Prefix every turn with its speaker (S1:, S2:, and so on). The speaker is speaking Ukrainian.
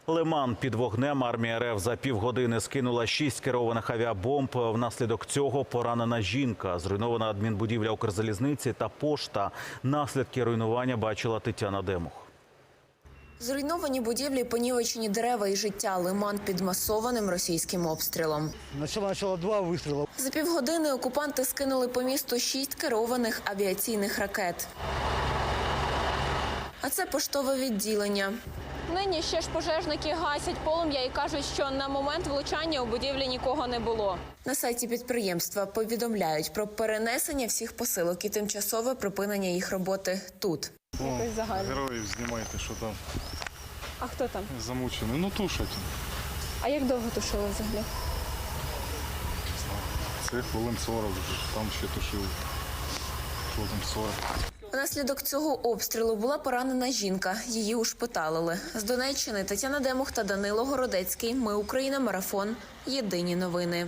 S1: Лиман під вогнем. Армія РФ за півгодини скинула 6 керованих авіабомб. Внаслідок цього поранена жінка. Зруйнована адмінбудівля Укрзалізниці та пошта. Наслідки руйнування бачила Тетяна Демух.
S2: Зруйновані будівлі, понівечені дерева і життя. Лиман під масованим російським обстрілом.
S3: Начало 2 вистріли.
S2: За півгодини окупанти скинули по місту 6 керованих авіаційних ракет. А це поштове відділення.
S4: Нині ще ж пожежники гасять полум'я і кажуть, що на момент влучання у будівлі нікого не було.
S2: На сайті підприємства повідомляють про перенесення всіх посилок і тимчасове припинення їх роботи тут.
S4: Якось загально.
S5: Героїв знімайте, що там
S4: А хто там?
S5: замучені. Ну, тушать.
S4: А як довго тушили взагалі?
S5: Це хвилин 40 вже, там ще тушили. Хвилин 40.
S2: Внаслідок цього обстрілу була поранена жінка. Її ушпиталили. З Донеччини Тетяна Демух та Данило Городецький. Ми Україна. Марафон. Єдині новини.